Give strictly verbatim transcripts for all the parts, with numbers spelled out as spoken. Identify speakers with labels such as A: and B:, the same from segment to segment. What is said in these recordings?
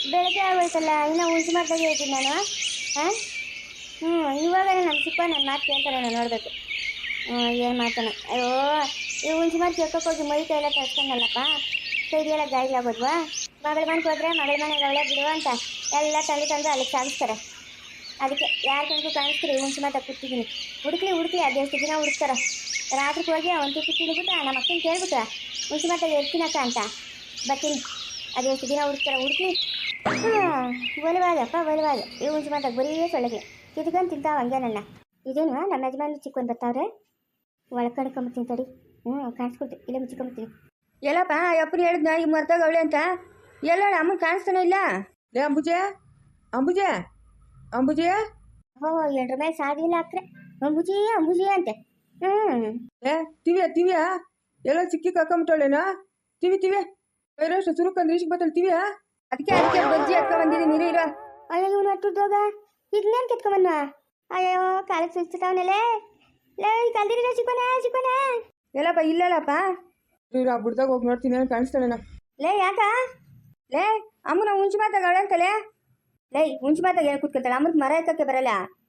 A: ಬೆಳಗ್ಗೆ ಆಗೋಯ್ತಲ್ಲ ಇನ್ನೂ ಹುಂಚು ಮಾತಾಗೆ ಇದ್ದೀನಿ ನಾನು. ಹಾಂ ಹ್ಞೂ ಇವಾಗ ನಮ್ಮ ಚಿಕ್ಕ ನನ್ನ ಮಾತು ಕೇಳ್ತಾರೆ ನಾನು ನೋಡಬೇಕು. ಹ್ಞೂ ಏನು ಮಾತಾನೆ ಅಯ್ಯೋ ಈ ಹುಂಚು ಮಾತು ಕೇಳ್ಕೊಕ್ ಹೋಗಿ ಮೈ ಕೈ ಎಲ್ಲ ತರ್ಸ್ಕೊಂಡಲ್ಲಪ್ಪ, ಕೈಗೆಲ್ಲ ಗಾಯಗಳಾಗೋದ್ವಾ. ಮಗಳ ಮನೆಗೆ ಹೋದ್ರೆ ಮಗಳ ಮನೆಗೆ ಅವಳೆ ಬಿಡುವ ಅಂತ ಎಲ್ಲ ತಂದು ತಂದು ಅಲ್ಲಿಗೆ ಸಾಗಿಸ್ತಾರೆ. ಅದಕ್ಕೆ ಯಾರು ಕಣ್ಗೂ ಕಾಣಿಸ್ತೀರಿ ಹುಂಚು ಮಾತಾಗಿ ಕೂತಿದ್ದೀನಿ. ಹುಡುಕ್ಲಿ ಹುಡುಕ್ಲಿ ಅದೆಷ್ಟು ದಿನ ಹುಡುಕ್ತಾರ. ರಾತ್ರಿಗೆ ಹೋಗಿ ಅವನು ತುಪ್ಪು ತಿಂದ್ಬಿಟ್ಟು ನಮ್ಮ ಅಕ್ಕನ ಕೇಳ್ಬಿಟ್ಟ ಹುಂಚು ಮಾತಾಗಿ ಎರ್ತೀನಕ್ಕ ಅಂತ ಬರ್ತೀನಿ. ಅದೆಷ್ಟು ದಿನ ಹುಡುಕ್ತಾರ ಹುಡುಕ್ಲಿ. ಹಾಂ ಒಲವಾಗಪ್ಪ ಒಲವಾಗ ಈ ಹುಂಚು ಮಾತಾಗಿ ಬರೀ ಸೊಳಗೆ ಕಿತ್ಕೊಂಡು ತಿಂತಾವ ಹಂಗೆ ನನ್ನ. ಇದೇನು ನಮ್ಮ ಯಜಮಾನ ಚಿಕ್ಕೊಂಡು ಬರ್ತಾವ್ರೆ, ಒಳಗೆ ಕಣ್ಕೊಂಬತ್ತೀನಿ ತಡಿ. ಹ್ಞೂ ಕಾಣಿಸ್ಕೊಡ್ತೀನಿ ಇಲ್ಲೇ ಮುಚ್ಕೊಂಬತ್ತೀನಿ.
B: ಎಲ್ಲಪ್ಪ ಅಪ್ಪನ ಹೇಳಿದ್ನ ಈಗ ಮರ್ತಾಗ ಅವಳೆ ಅಂತ ಎಲ್ಲ ಅಮ್ಮನ ಕಾಣಿಸ್ತಾನೆ ಇಲ್ಲ. ಲೇ ಅಂಬುಜೆ ಅಂಬುಜೆ ಅಂಬುಜೆ
A: ಓ ಎಂಟ್ರ ಮೇಲೆ ಸಾಗಿಲ್ಲ ಹಾಕ್ರೆ ಅಂಬುಜಿ ಅಂಬುಜಿ ಅಂತೆ. ಹ್ಞೂ
B: ಏ ತಿವಿಯ ತಿವಿಯ ಎಲ್ಲ ಸಿಕ್ಕಿ ಕರ್ಕೊಂಬಿಟ್ಟವಳೇನೋ ತಿವಿ ತಿವಿ ಬೇರೆಷ್ಟು ಸುರುಕಂದ್ರೆ ಇಷ್ಟು ಬತ್ತಲ್ ತಿವಿಯ ಅದಕ್ಕೆ ಅದಕ್ಕೆ ಬಜ್ಜಿ ಹಾಕೊ ಬಂದಿದ್ದೀನಿ ನೀರು ಇರೋ.
A: ಅಯ್ಯೋ ಇವನು ಅಟ್ಟುದೋಗ ಇದನ್ನೇನು ಕೆತ್ಕೊಂಬನ್ನ. ಅಯ್ಯೋ ಕಾಲಕ್ಕೆ ಸುಸ್ತಾವನಲ್ಲೇ ಲೇ ಕಲ್ದಿರ ಚಿಕ್ಕೋನ ಚಿಕ್ಕೋನ.
B: ಎಲ್ಲಪ್ಪ ಇಲ್ಲಲ್ಲಪ್ಪ ಇರೋ ಬುಡ್ದಾಗ ಹೋಗಿ ನೋಡ್ತೀನಿ ಏನು ಕಾಣಿಸ್ತಾಳೇನ.
A: ಲೇ ಯಾಕ
B: ಲೇ ಅಮ್ಮನ ಹುಂಚು ಮಾತಾಗ ಅವಳೆ ಅಂತಲೇ.
A: ಲೇ ಹುಂಚು ಮಾತಾಗ ಏನು ಕೂತ್ಕೊಳ್ತಾಳೆ ಅಮ್ಮನ ಮರ ಎತ್ತಕ್ಕೆ ಬರಲ್ಲ.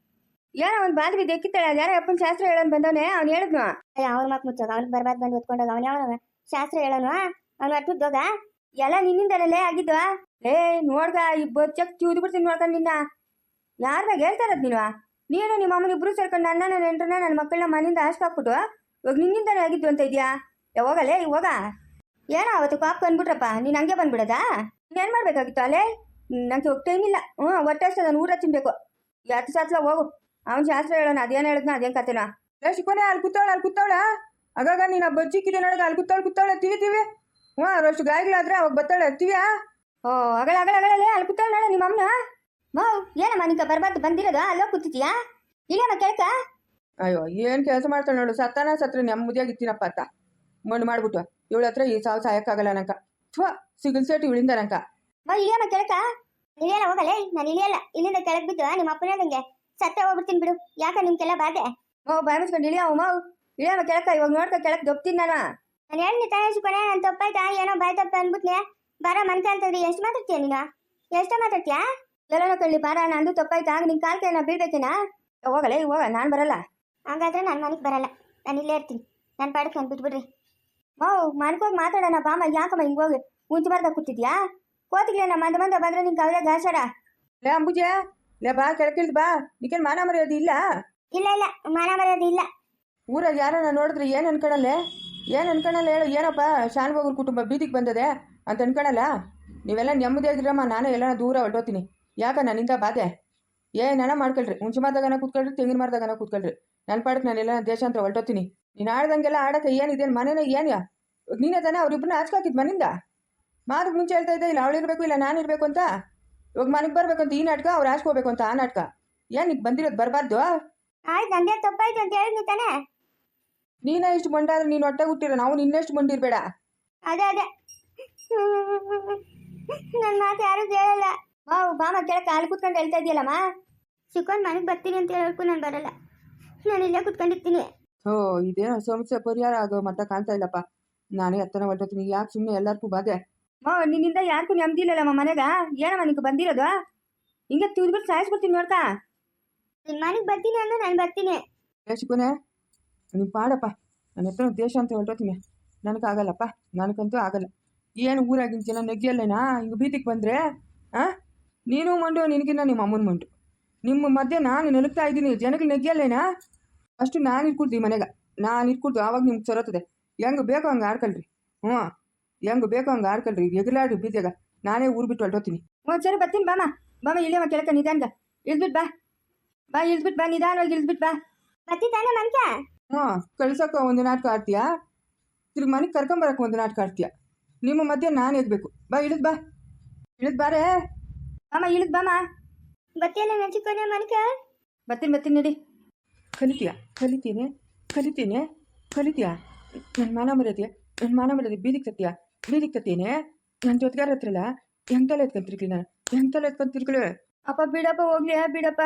B: ಏನೋ ಅವ್ನು ಬಾದ್ ಬಿದ್ದು ಎಕ್ಕಿತ್ತಾಳೆ ಯಾರೋ ಅಪ್ಪನ ಶಾಸ್ತ್ರ ಹೇಳೋನು ಬಂದವನೇ ಅವ್ನು ಹೇಳಿದ್ನು.
A: ಅಯ್ಯ ಅವ್ನ ಮಕ್ ಮುಚ್ಚೋಗ ಅವ್ನಿಗೆ ಬರ್ಬಾರ್ದು ಬಂದು ಹೊತ್ಕೊಂಡೋಗ ಅವ್ನು ಯಾವ ಶಾಸ್ತ್ರ ಹೇಳೋನು ಅವ್ನು ಅಟ್ಟುದೋಗ
B: ಎಲ್ಲ ನಿನ್ನಿಂದಲೇ ಆಗಿದ್ವಾ. ಲೇ ನೋಡ್ಗ ಈ ಬಚ್ಚಕ್ ಚೂದು ಬಿಡ್ತೀನಿ ನೋಡ್ಕೊಂಡು ನಿನ್ನ ಯಾರನ್ನ ಹೇಳ್ತಾರದ್ ನೀನು. ನೀನು ನಿಮ್ಮ ಅಮ್ಮನ ಇಬ್ರು ಸೇರ್ಕೊಂಡು ನನ್ನ ನನ್ನ ನೆಂಟ್ರನ್ನ ನನ್ನ ಮಕ್ಕಳನ್ನ ಮನೆಯಿಂದ ಹಾಸ್ಕಾಕ್ಬಿಟ್ಟು ಇವಾಗ ನಿನ್ನಿಂದಲೇ ಆಗಿದ್ದು ಅಂತ ಇದೆಯಾ. ಯಾವಾಗಲೇ ಇವಾಗ ಏನೋ ಅವತ್ತು ಕಾಪ್ ಬಂದ್ಬಿಟ್ರಪ್ಪ ನೀನು ಹಂಗೆ ಬಂದ್ಬಿಡೋದಾ. ಏನು ಮಾಡಬೇಕಾಗಿತ್ತು ಅಲ್ಲೇ ನಂಗೆ ಹೋಗ್ತಾ ಏನಿಲ್ಲ. ಹ್ಞೂ ಹೊಟ್ಟೆ ನಾನು ಊರ ತಿನ್ಬೇಕು ಹತ್ತು ಸಾತ್ಲ ಹೋಗು ಅವ್ನು ಶಾಸ್ತ್ರ ಹೇಳೋಣ ಅದೇನು ಹೇಳಿದ್ನ ಅದೇನು ಕತೆನಾ. ಲೇ ಶಿಕೋನೆ ಅಲ್ಲಿ ಕೂತಾವಳ ಅಲ್ಲಿ ಕೂತಾವಳ ಆಗಾಗ ನೀನು ಬಜ್ಜಿಕ್ಕಿದೆ ನೋಡೋದು ಅಲ್ಲಿ ಕೂತಾವಳು ಕೂತಾವಳೆ ತಿವಿ ತಿವಿ. ಹ್ಞೂ ಅಷ್ಟು ಗಾಯಗಳಾದ್ರೆ ಅವಾಗ ಬತ್ತಾಳೆ ತಿವಿಯಾ. ಓ ಅಗಳ ಅಗಳ ಅಗಳಲ್ಲೇ ಅಲ್ಲಿ ಕೂತಾವಳ ನೋಡ ನಿಮ್ಮ ಅಮ್ಮನ.
A: ಮೋ ಏನಮ್ಮ ನಿಂಕ ಬರ್ಬಾರ್ದು ಬಂದಿರೋದು ಅಲ್ಲೋ ಕೂತಿದ್ಯಾ ಇಲ್ಲಮ್ಮ ಕೇಳ್ಕ.
B: ಅಯ್ಯೋ ಏನು ಕೆಲಸ ಮಾಡ್ತಾಳೆ ನೋಡು ಸತ್ತಾನ ಸತ್ರ ನೆಮ್ಮದಿಯಾಗಿತ್ತೀನಪ್ಪ ಅತ್ತ ಮಣ್ಣು ಮಾಡ್ಬಿಟ್ಟು ಇವಳ ಹತ್ರ ಈ ಸಾವು ಸಾಯಕ್ಕಾಗಲ್ಲ ನಂಕ ಥ್ವ ಸಿಗಲ್ ಸೇಟ್ ಇವಳಿಂದ ನಂಕ.
A: ಮೋ ಇಳಿಯಮ್ಮ ಕೇಳ್ಕ. ಇಳಿಯಲ್ಲ ಹೋಗಲೇ ನಾನು ಇಳಿಯಲ್ಲ ಇಲ್ಲಿಂದ ಕೆಳಗೆ ಬಿದ್ದು ನಿಮ್ಮ ಅಪ್ಪನ ಹೇಳ್ದಂಗೆ ಸತ್ತ ಹೋಗ್ಬಿಡ್ತೀನಿ ಬಿಡು. ಯಾಕ ನಿಮ್ಗೆಲ್ಲ ಬಾಧೆ.
B: ಮೋ ಬಾಯ್ ಮುಚ್ಕೊಂಡು ಇಳಿಯವ ಮೋ ಇಳಿಯಮ್ಮ ಕೆಳಕ ಇವಾಗ ನೋಡ್ಕ ಕೆಳಕ್ ದೊಪ್ತೀನಿ ನಾನು.
A: ನಾನು ಹೇಳಿ ತಾಯಿ ಕೊನೆ ನಾನು ತಪ್ಪಾಯ್ತಾ ಏನೋ ಬಾಯ್ ತಪ್ಪ ಅಂದ್ಬಿಟ್ನೆ ಬಾರ ಮನ್ಕ ಅಂತಂದ್ರೆ ಎಷ್ಟು ಮಾತಾಡ್ತೀಯ ನೀನು ಎಷ್ಟ ಮಾತಾಡ್ತೀಯಾ.
B: ಎಲ್ಲನೋ ಕಳ್ಳಿ ಬಾರ ನಂದು ತಪ್ಪಾಯ್ತಾ ನಿನ್ ಕಾಲ್ ಕೈ ನಾ ಬೀಳ್ಬೇಕೇನಾ. ಹೋಗಲೇ ಹೋಗ ನಾನು ಬರಲ್ಲ.
A: ಹಾಗಾದ್ರೆ ನಾನು ಮನೆಗೆ ಬರಲ್ಲ ನಾನು ಇಲ್ಲೇ ಇರ್ತೀನಿ ನನ್ನ ಪಾಡಕ್ಕೆ ನಾನು ಬಿಟ್ಬಿಡ್ರಿ.
B: ಮೋ ಮನ್ಕೋಗಿ ಮಾತಾಡೋಣ ಬಾಮ ಯಾಕಮ್ಮ ಹಿಂಗೆ ಹೋಗಿ ಮುಂಚೆ ಬರ್ದಾಗ ಕೂತಿದ್ಯಾ. ಕೋತಿಗ್ಲೇನ ಮಂದ ಮಂದ ಬಂದ್ರೆ ನಿಂಗೆ ಅವರೇ ಗಾಸಾರ. ಲೇ ಅಂಬುಜೆ ಲೇ ಬಾ ಕೆಳಕಿಳ್ದು ಬಾ ನಿಕೇನು ಮಾನ ಮರ್ಯಾದೆ ಇಲ್ಲ.
A: ಇಲ್ಲ ಇಲ್ಲ ಮಾನ ಮರ್ಯಾದೆ ಇಲ್ಲ.
B: ಊರಾಗ ಯಾರನ್ನ ನೋಡಿದ್ರೆ ಏನು ಅನ್ಕೊಳಲ್ಲ ಏನು ಅನ್ಕೊಳಲ್ಲ ಹೇಳು. ಏನಪ್ಪ ಶಾನ್ಭೋಗ್ರ ಕುಟುಂಬ ಬೀದಿಗೆ ಬಂದದೆ ಅಂತ ಅನ್ಕೊಳಲ್ಲ. ನೀವೆಲ್ಲ ನೆಮ್ಮದಿಯಾಗಿರಮ್ಮ ನಾನು ಎಲ್ಲ ದೂರ ಹೊರಟೋತೀನಿ. ಯಾಕ ನನ್ನಿಂದ ಬಾಧೆ ಏನನ ಮಾಡ್ಕೊಳ್ರಿ. ಹುಂಚು ಮಾತಾಗನ ಕೂತ್ಕೊಳ್ರಿ ತೆಂಗಿನ ಮರದಾಗನ ಕೂತ್ಕೊಳ್ರಿ ನನ್ನ ಪಾಡಕ್ಕೆ ನಾನೆಲ್ಲ ದೇಶಾಂತರ ಹೊರಟೋತೀನಿ. ನೀನು ಆಡ್ದಂಗೆಲ್ಲ ಆಡಕ್ಕೆ ಏನಿದೆ ಮನೇನ ಏನು ನೀನೇ ತಾನೇ ಅವ್ರಿಬ್ಬರನ್ನ ಹಚ್ಕಾಕಿದ್ ಮನಿಂದ. ಮಾದಕ್ಕೆ ಮುಂಚೆ ಹೇಳ್ತಾ ಇದ್ದೆ ಇಲ್ಲ ಅವಳಿರ್ಬೇಕು ಇಲ್ಲ ನಾನು ಇರಬೇಕು ಅಂತ. ಇವಾಗ ಮನೆಗೆ ಬರ್ಬೇಕು ಅಂತ ಈ ನಾಟಕ ಅವ್ರು ಹಾಸ್ಕೋಬೇಕು ಅಂತ ಆ ನಾಟಕ ಏನು ಈಗ ಬಂದಿರೋದು ಬರಬಾರ್ದು.
A: ಆಯ್ತು ನಂದೇ ತಪ್ಪಾಯ್ತು ಅಂತ ಹೇಳಿದ್ನಿ ತಾನೇ.
B: ನೀನೇ ಇಷ್ಟು ಮಂಡಾದ್ರೆ ನೀನು ಹೊಟ್ಟೆ ಹುಟ್ಟಿರೋ ನಾವು ನಿನ್ನೆಷ್ಟು ಮಂಡಿರ್ಬೇಡ.
A: ಅದೇ ಅದೇ ನನ್ನ ಮಾತು ಯಾರು ಕೇಳಲ್ಲ.
B: ಮಾವು ಬಾಮ ಕೆಳಕ್ಕೆ ಅಲ್ಲಿ ಕೂತ್ಕೊಂಡು ಹೇಳ್ತಾ ಇದೆಯಲ್ಲಮ್ಮ.
A: ಚಿಕ್ಕೊಂಡ್ ಮನೆಗೆ ಬರ್ತೀನಿ ಅಂತ ಹೇಳ್ಕು ನಾನು ಬರಲ್ಲ ನಾನು ಇಲ್ಲೇ ಕೂತ್ಕೊಂಡಿರ್ತೀನಿ.
B: ಓ ಇದೇನೋ ಸಮಸ್ಯೆ ಪರಿಹಾರ ಆಗೋ ಮಟ್ಟ ಕಾಣ್ತಾ ಇಲ್ಲಪ್ಪ. ನಾನೇ ಹತ್ತನ ಹೊರಟೋತೀನಿ ಯಾಕೆ ಸುಮ್ಮನೆ ಎಲ್ಲರಿಗೂ ಬಾಧೆ. ಮಾವ ನಿನ್ನಿಂದ ಯಾರಿಗೂ ನೆಮ್ಮದಿ ಇಲ್ಲಲ್ಲಮ್ಮ ಮನೆಗ. ಏನಮ್ಮ ನಿಂಗೆ ಬಂದಿರೋದು ಹಿಂಗೆ ತಿಳ್ಬಿಟ್ಟು ಸಾಯಿಸ್ಬಿಡ್ತೀನಿ ನೋಡ್ತಾ.
A: ನಿನ್ನ ಮನೆಗೆ ಬರ್ತೀನಿ ಅಂದ್ರೆ ನಾನು ಬರ್ತೀನಿ.
B: ದೇಶಕ್ಕೂನೆ ನೀವು ಪಾಡಪ್ಪ ನನ್ನ ಹತ್ರ ದೇಶ ಅಂತ ಹೊರಟೋತೀನಿ. ನನಗಾಗಲ್ಲಪ್ಪ ನನಗಂತೂ ಆಗಲ್ಲ. ಏನು ಊರಾಗಿನ ಜನ ನೆಗ್ಗಿಯಲ್ಲೇನಾ ಹಿಂಗೆ ಬೀದಿಗೆ ಬಂದರೆ ಹಾಂ ನೀನು ಮಂಡು ನಿನಗಿನ್ನ ನಿಮ್ಮ ಅಮ್ಮನ ಮಂಡು ನಿಮ್ಮ ಮಧ್ಯೆ ನಾನು ನಲುಗ್ತಾ ಇದ್ದೀನಿ ಜನಗಳು ನೆಗ್ಗಿಯಲ್ಲೇನಾ. ಅಷ್ಟು ನಾನು ಇಟ್ಕೊಡ್ತೀನಿ ಮನೆಗೆ ನಾನು ಇಟ್ಕೊಡ್ತು ಆವಾಗ ನಿಮ್ಗೆ ಸರೋತದೆ. ಹೆಂಗೆ ಬೇಕೋ ಹಂಗೆ ಆಡ್ಕೊಳ್ರಿ. ಹ್ಞೂ ಹೆಂಗೆ ಬೇಕೋ ಹಂಗೆ ಆಡ್ಕೊಳ್ರಿ ಎಗಲಾಡ್ರಿ ಬೀದಿಯಾಗ ನಾನೇ ಊರು ಬಿಟ್ಟು ಹೊರಟೋತೀನಿ. ಹ್ಞೂ ಸರಿ ಬರ್ತೀನಿ ಬಾಮ ಬಾಮ ಇಲ್ಲೇ ಕೆಳಕ ನಿಧಾನ್ಗ ಇಳ್ದ್ಬಿಟ್ಟು ಬಾ ಬಾ ಇಳ್ದ್ಬಿಟ್ಟು ಬಾ ನಿಧಾನವಾಗಿ ಇಳ್ದ್ಬಿಟ್ಟು ಬಾ.
A: ಬರ್ತಿ ತಾನೇ ಮನ್ಕ.
B: ಹ್ಞೂ ಕಳ್ಸೋಕೆ ಒಂದು ನಾಟಕ ಆಡ್ತೀಯಾ ತಿರ್ಗಿ ಮನೆಗೆ ಕರ್ಕೊಂಬರಕ್ಕೆ ಒಂದು ನಾಟಕ ಆಡ್ತೀಯಾ. ನಿಮ್ಮ ಮಧ್ಯೆ ನಾನು ಎಗ್ಬೇಕು. ಬಾ ಇಳಿದ್ ಬಾ ಇಳಿದ್ ಬಾರೇ ಬಾಮ ಇಳಿದ್ ಬಾಮ.
A: ಬರ್ತೀಯಲ್ಲ ನೆಚ್ಚಿಕೊನೆ ಮನ್ಕ.
B: ಬರ್ತೀನಿ ಬರ್ತೀನಿ ನಡಿ. ಕಲಿತೀಯ ಕಲಿತೀನಿ ಕಲಿತೀನಿ ಕಲಿತೀಯ ನನ್ನ ಮಾನ ಮರ್ಯಾದೆ ನನ್ನ ಮಾನ ಮರ್ಯಾದೆ ಬೀದಿಗೆ ತತ್ತೀಯ ಬೀದಿಗೆ ತತ್ತೀನಿ. ನನ್ನ ಜೊತೆಗಾರ ಹತ್ರಲ್ಲ ಹೆಂಗೆ ತಲೆ ಎತ್ಕೊಂತಿರ್ಕಲಿ ನಾನು ಹೆಂಗೆ ತಲೆ ಎತ್ಕೊಂತಿರ್ಕಲಿ. ಅಪ್ಪ ಬಿಡಪ್ಪ ಹೋಗ್ಲಿ ಬಿಡಪ್ಪ.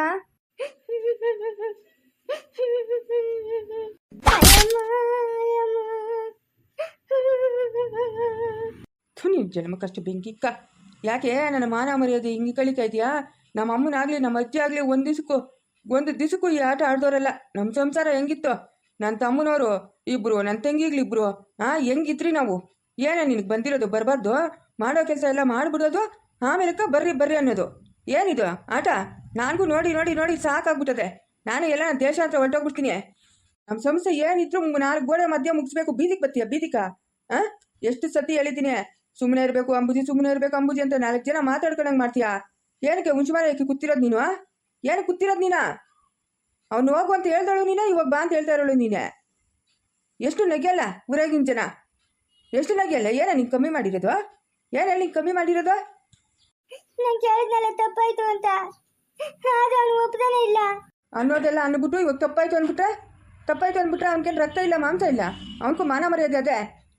B: ನೀನು ಜನ್ಮಕ್ಕಷ್ಟು ಬೆಂಕಿಕ್ಕ
C: ಯಾಕೆ ನನ್ನ ಮಾನ ಮರ್ಯಾದೆ ಹಿಂಗೆ ಕಳಿತಾ ಇದೆಯಾ? ನಮ್ಮ ಅಮ್ಮನಾಗಲಿ ನಮ್ಮ ಅಜ್ಜಿ ಆಗಲಿ ಒಂದು ದಿವಸಕ್ಕೂ ಒಂದು ದಿವಸಕ್ಕೂ ಈ ಆಟ ಆಡ್ದೋರಲ್ಲ. ನಮ್ಮ ಸಂಸಾರ ಹೆಂಗಿತ್ತು? ನನ್ನ ತಮ್ಮನವರು ಇಬ್ಬರು, ನನ್ನ ತಂಗಿಗ್ಲಿ ಇಬ್ಬರು, ಹಾಂ ಹೆಂಗಿದ್ರಿ ನಾವು? ಏನೇ ನಿನಗೆ ಬಂದಿರೋದು? ಬರಬಾರ್ದು ಮಾಡೋ ಕೆಲಸ ಎಲ್ಲ ಮಾಡಿಬಿಡೋದು, ಆಮೇಲಕ್ಕ ಬರ್ರಿ ಬರ್ರಿ ಅನ್ನೋದು ಏನಿದು ಆಟ? ನನಗೂ ನೋಡಿ ನೋಡಿ ನೋಡಿ ಸಾಕಾಗ್ಬಿಟ್ಟದೆ. ನಾನು ಎಲ್ಲ ದೇಶ ಹತ್ರ ಹೊರಟೋಗ್ಬಿಡ್ತೀನಿ. ನಮ್ಮ ಸಮಸ್ಯೆ ಏನಿದ್ರು ನಾಲ್ಕು ಗೋಡೆ ಮಧ್ಯೆ ಮುಗಿಸ್ಬೇಕು. ಬೀದಿಗೆ ಬತ್ತೀಯ ಬೀದಿಕ? ಹಾಂ ಎಷ್ಟು ಸತಿ ಹೇಳಿದ್ದೀನಿ ಸುಮ್ಮನೆ ಇರಬೇಕು ಅಂಬುಜಿ, ಸುಮ್ಮನೆ ಇರಬೇಕು ಅಂಬುಜಿ ಅಂತ ನಾಲ್ಕು ಜನ ಮಾತಾಡ್ಕೊಂಡಂಗೆ ಮಾಡ್ತೀಯಾ? ಏನಕ್ಕೆ ಹುಂಚುಮಾರ ಯಾಕೆ ಕೂತಿರೋದು ನೀನು? ಏನು ಕೂತಿರೋದು ನೀನಾ? ಅವ್ನು ಹೋಗು ಅಂತ ಹೇಳ್ದಳು ನೀನೇ, ಇವಾಗ ಬಾ ಅಂತ ಹೇಳ್ತಾ ಇರೋಳು ನೀನೆ. ಎಷ್ಟು ನಗೆಯಲ್ಲ ಊರಾಗಿನ ಜನ, ಎಷ್ಟು ನಗೆಯಲ್ಲ? ಏನ ನೀನು ಕಮ್ಮಿ ಮಾಡಿರೋದು? ಏನು ಹೇಳಿ ನೀನು ಕಮ್ಮಿ ಮಾಡಿರೋದು?
A: ನಾನು ಕೇಳಿದ್ನಲ್ಲ ತಪ್ಪಾಯ್ತು ಅಂತ, ಆದ್ರೆ ಅವನು ಒಪ್ಪದಾನೆ ಇಲ್ಲ
C: ಅನ್ನೋದೆಲ್ಲ ಅಂದ್ಬಿಟ್ಟು ಇವಾಗ ತಪ್ಪಾಯ್ತು ಅಂದ್ಬಿಟ್ರೆ ತಪ್ಪಾಯ್ತು ಅಂದ್ಬಿಟ್ರೆ ಅವ್ನಿಗೇನು ರಕ್ತ ಇಲ್ಲ ಮಾಂಸ ಇಲ್ಲ, ಅವನಿಗೂ ಮಾನ ಮರ್ಯಾದೆ ಅದೇ.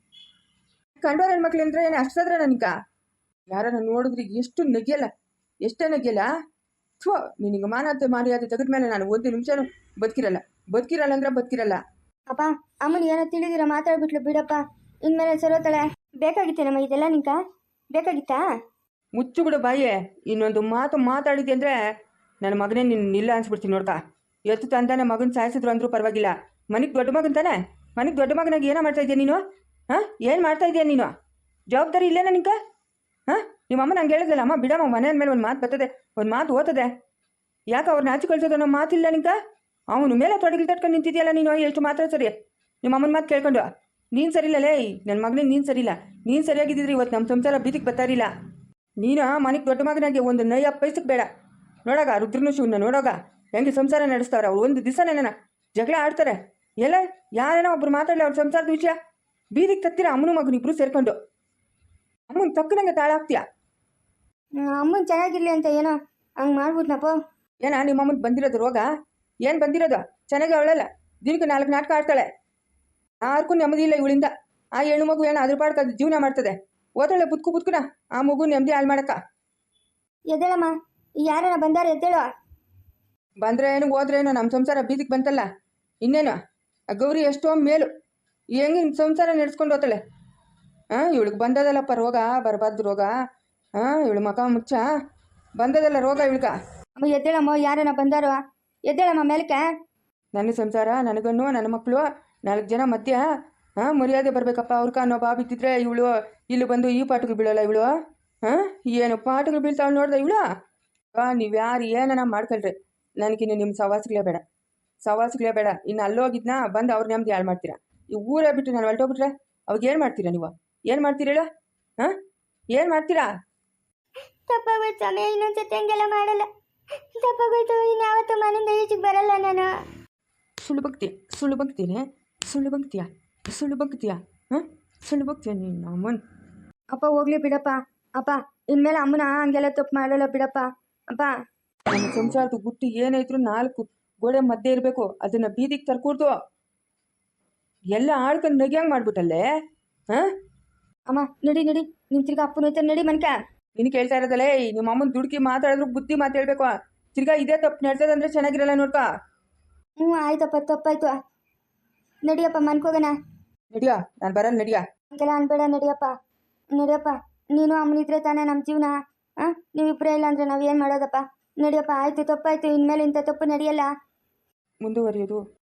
C: ಕಂಡೋರ ಹೆಣ್ಮಕ್ಳು ಅಂದ್ರೆ ಏನು ಅಷ್ಟಾದ್ರೆ ನನಗ ಯಾರನ್ನ ನೋಡಿದ್ರೆ ಎಷ್ಟು ನಗಿಯಲ್ಲ, ಎಷ್ಟೇ ನಗಿಯಲ್ಲ. ಥೋ, ನಿನಗೆ ಮಾನತೆ ಮರ್ಯಾದೆ ತೆಗೆದ್ಮೇಲೆ ನಾನು ಒಂದು ನಿಮಿಷನೂ ಬದುಕಿರಲ್ಲ. ಬದುಕಿರಲ್ಲ ಅಂದ್ರೆ ಬದುಕಿರಲ್ಲ.
A: ಅಪ್ಪ ಅಮ್ಮನ ಏನೋ ತಿಳಿದಿರ ಮಾತಾಡ್ಬಿಟ್ಲು ಬಿಡಪ್ಪ, ಇನ್ಮೇಲೆ ಸರೋತಾಳೆ. ಬೇಕಾಗಿತ್ತೇನಮ್ಮ ಇದೆಲ್ಲ ನಿಂಕ? ಬೇಕಾಗಿತ್ತಾ?
C: ಮುಚ್ಚು ಬಿಡು ಬಾಯೇ. ಇನ್ನೊಂದು ಮಾತು ಮಾತಾಡಿದ್ದೆ ಅಂದರೆ ನನ್ನ ಮಗನೇ ನಿನ್ನ ಇಲ್ಲ ಅನ್ಸ್ಬಿಡ್ತೀನಿ ನೋಡ್ತಾ. ಎತ್ತು ತಂದಾನೆ ಮಗನ ಸಾಯಿಸಿದ್ರು ಅಂದರೂ ಪರವಾಗಿಲ್ಲ, ಮನೆಗೆ ದೊಡ್ಡ ಮಗನ್ ತಾನೆ? ಮನೆಗೆ ದೊಡ್ಡ ಮಗನಾಗಿ ಏನೋ ಮಾಡ್ತಾ ಇದೆಯಾ ನೀನು? ಹಾಂ ಏನು ಮಾಡ್ತಾ ಇದೆಯಾ ನೀನು? ಜವಾಬ್ದಾರಿ ಇಲ್ಲೇನ ನಿಂಕ? ಹಾಂ ನಿಮ್ಮ ಅಮ್ಮ ನಂಗೆ ಹೇಳಿದ್ಲಲ್ಲ, ಅಮ್ಮ ಬಿಡಮ್ಮ ಮನೆ ಅಂದಮೇಲೆ ಒಂದು ಮಾತು ಬರ್ತದೆ, ಒಂದು ಮಾತು ಓದ್ತದೆ. ಯಾಕೆ ಅವ್ರನ್ನ ಆಚೆ ಕಳ್ಸೋದು ಅನ್ನೋ ಮಾತಿಲ್ಲ ನಿಂಕ? ಅವನು ಮೇಲೆ ತೊಡಗಿಲ್ ತಟ್ಕೊಂಡು ನಿಂತಿದೆಯಲ್ಲ ನೀನು, ಎಷ್ಟು ಮಾತ್ರ ಸರಿ ನಿಮ್ಮ ಅಮ್ಮನ ಮಾತು ಕೇಳ್ಕೊಂಡು. ನೀನು ಸರಿಯಿಲ್ಲ ಲೇ, ನನ್ನ ಮಗನೇ ನೀನು ಸರಿಯಿಲ್ಲ. ನೀನು ಸರಿಯಾಗಿದ್ದಿದ್ರಿ ಇವತ್ತು ನಮ್ಮ ಸಂಸಾರ ಬೀದಿಗೆ ಬರ್ತಾರಿಲ್ಲ. ನೀನು ಮನೆಗೆ ದೊಡ್ಡ ಮಗನಾಗಿ ಒಂದು ನಯ ಪೈಸಕ್ಕೆ ಬೇಡ. ನೋಡಾಗ ರುದ್ರನು ಶಿವನ ನೋಡೋಗ ಹೆಂಗೆ ಸಂಸಾರ ನಡೆಸ್ತಾವ್ರೆ ಅವ್ರು. ಒಂದು ದಿವಸನೇನ ಜಗಳ ಆಡ್ತಾರೆ, ಎಲ್ಲ ಯಾರೇನೋ ಒಬ್ರು ಮಾತಾಡಲಿ ಅವ್ರ ಸಂಸಾರದ ವಿಷಯ ಬೀದಿಗೆ ತತ್ತೀರ ಅಮ್ಮನ ಮಗನ ಇಬ್ರು ಸೇರ್ಕೊಂಡು. ಅಮ್ಮನ ತಕ್ಕನಂಗೆ ತಾಳ ಹಾಕ್ತೀಯಾ?
A: ಅಮ್ಮನ ಚೆನ್ನಾಗಿರ್ಲಿ ಅಂತ ಏನೋ ಹಂಗೆ ಮಾಡ್ಬಿಟ್ನಪ್ಪ.
C: ಏನ ನಿಮ್ಮ ಅಮ್ಮನ ಬಂದಿರೋದು ರೋಗ? ಏನು ಬಂದಿರೋದು? ಚೆನ್ನಾಗಿ ಅವಳಲ್ಲ, ದಿನಕ್ಕೆ ನಾಲ್ಕು ನಾಟಕ ಆಡ್ತಾಳೆ. ಯಾರಿಗೂ ನೆಮ್ಮದಿ ಇಲ್ಲ ಇವಳಿಂದ. ಆ ಹೆಣ್ಣು ಮಗು ಏನೋ ಅದ್ರ ಪಾಡ್ಕ ಜೀವನ ಮಾಡ್ತದೆ. ಓದಾಳೆ ಬುದ್ಕು ಬುದ್ಕುನ ಆ ಮಗು ನೆಮ್ಮದಿ ಹಾಳು ಮಾಡಕ್ಕ.
A: ಎದ್ದೇಳಮ್ಮ, ಯಾರನ್ನ ಬಂದಾರ ಎದ್ದೇಳು.
C: ಬಂದ್ರೆ ಏನು ಹೋದ್ರೆ ಏನೋ, ನಮ್ಮ ಸಂಸಾರ ಬೀದಿಗೆ ಬಂತಲ್ಲ ಇನ್ನೇನು. ಆ ಗೌರಿ ಎಷ್ಟೋ ಮೇಲು, ಹೆಂಗೆ ಸಂಸಾರ ನಡೆಸ್ಕೊಂಡು ಹೋಗ್ತಾಳೆ. ಹಾಂ ಇವಳಿಗೆ ಬಂದದಲ್ಲಪ್ಪ ರೋಗ, ಬರಬಾರ್ದು ರೋಗ. ಹಾಂ ಇವಳು ಮಕ ಮುಚ್ಚ ಬಂದದಲ್ಲ ರೋಗ ಇವಳ್ಗ.
A: ಅಮ್ಮ ಎದ್ದೇಳಮ್ಮ, ಯಾರನ್ನ ಬಂದಾರೋ ಎದ್ದೇಳಮ್ಮ ಮೇಲಕ್ಕೆ.
C: ನನ್ನ ಸಂಸಾರ, ನನಗನ್ನು ನನ್ನ ಮಕ್ಕಳು ನಾಲ್ಕು ಜನ ಮಧ್ಯ ಹಾಂ ಮರ್ಯಾದೆ ಬರಬೇಕಪ್ಪ. ಅವ್ರಕ ಅನ್ನೋ ಬಾ ಬಿದ್ದಿದ್ರೆ ಇವಳು ಇಲ್ಲಿ ಬಂದು ಈ ಪಾಠಗಳು ಬೀಳಲ್ಲ ಇವಳು. ಹಾಂ ಏನು ಪಾಠಗಳು ಬೀಳ್ತಾವಳು ನೋಡ್ದೆ ಇವಳು. ನೀವು ಯಾರು ಏನನ ಮಾಡ್ಕೊಳ್ರಿ, ನನಗಿನ್ನು ನಿಮ್ಮ ಸವಾಸಗಳೇ ಬೇಡ, ಸವಾಸಗಳೇ ಬೇಡ. ಇನ್ನು ಅಲ್ಲೋಗಿದ್ನ ಬಂದು ಅವ್ರ ನೆಮ್ಮದಿ ಹಾಳು ಮಾಡ್ತೀರಾ. ಈ ಊರೇ ಬಿಟ್ಟು ನಾನು ಹೊರಟೋಗ್ಬಿಟ್ರೆ ಅವಾಗ ಏನು ಮಾಡ್ತೀರಾ ನೀವು? ಏನು ಮಾಡ್ತೀರ ಹೇಳು? ಹಾಂ ಏನು ಮಾಡ್ತೀರಾ?
A: ತಪ್ಪಾಗೋಯ್ತು ಸಮಯ, ಇನ್ನೊಂದ್ಸತಿ ಹಂಗೆಲ್ಲ ಮಾಡಲ್ಲ. ತಪ್ಪಾಗೋಯ್ತು, ಇನ್ಯಾವತ್ತು ಮನೆಯಿಂದ ಈಚೆಗೆ ಬರಲ್ಲ ನಾನು.
C: ಸುಳ್ಳು ಬಗ್ತೀಯ, ಸುಳ್ಳು ಬಗ್ತೀನಿ, ಸುಳ್ಳು ಬಗ್ತೀಯ, ಸುಳ್ಳು ಬಗ್ತೀಯ, ಹಾಂ ಸುಳ್ಳು ಬಗ್ತೀಯ ನೀನು ಅಮ್ಮನ.
A: ಅಪ್ಪ ಹೋಗ್ಲಿ ಬಿಡಪ್ಪ. ಅಪ್ಪ ಇನ್ಮೇಲೆ ಅಮ್ಮನ ಹಂಗೆಲ್ಲ ತಪ್ಪು ಮಾಡಲ್ಲ ಬಿಡಪ್ಪ. ಅಪ್ಪ
C: ನಮ್ಮ ಸಂಸಾರದ ಗುಟ್ಟು ಏನಾಯ್ತು ನಾಲ್ಕು ಗೋಡೆ ಮಧ್ಯೆ ಇರಬೇಕು, ಅದನ್ನು ಬೀದಿಗೆ ತರ್ಕೂಡ್ದು ಎಲ್ಲ ಆಳ್ಕೊಂಡು ನಗಿಯಂಗೆ ಮಾಡ್ಬಿಟ್ಟಲ್ಲೇ. ಹಾಂ
A: ಅಮ್ಮ ನಡಿ ನಡಿ, ನಿನ್ ತಿರ್ಗಾ ಅಪ್ಪನ ಹೋಯ್ತಾನೆ, ನಡಿ ಮನ್ಕ.
C: ನೀನು ಕೇಳ್ತಾ ಇರೋದಲ್ಲೇ ನಿಮ್ಮ ಅಮ್ಮನ ದುಡುಕಿ ಮಾತಾಡಿದ್ರು ಬುದ್ಧಿ ಮಾತು ಹೇಳ್ಬೇಕು. ತಿರ್ಗಾ ಇದೇ ತಪ್ಪು ನಡ್ಸೋದಂದ್ರೆ ಚೆನ್ನಾಗಿರಲ್ಲ ನೋಡ್ಕ.
A: ಹ್ಞೂ ಆಯ್ತಪ್ಪ, ತಪ್ಪಾಯ್ತು. ನಡಿಯಪ್ಪ ಮನ್ಕೋಗಣ.
C: ನಡಿಯಾ, ನಾನು ಬರಲ್ಲ ನಡಿಯಾ.
A: ಹಂಗೆಲ್ಲ ಅನ್ಬೇಡ, ನಡಿಯಪ್ಪ ನಡಿಯಪ್ಪ. ನೀನು ಅಮ್ಮನಿದ್ರೆ ತಾನೇ ನಮ್ಮ ಜೀವನ. ಹಾಂ ನೀವಿಬ್ಬರೇ ಇಲ್ಲ ಅಂದರೆ ನಾವು ಏನು ಮಾಡೋದಪ್ಪ? ನಡಿಯಪ್ಪ, ಆಯಿತು ತಪ್ಪಾಯ್ತು, ಇನ್ಮೇಲೆ ಇಂಥ ತಪ್ಪು ನಡೆಯಲ್ಲ.
C: ಮುಂದುವರಿಯೋದು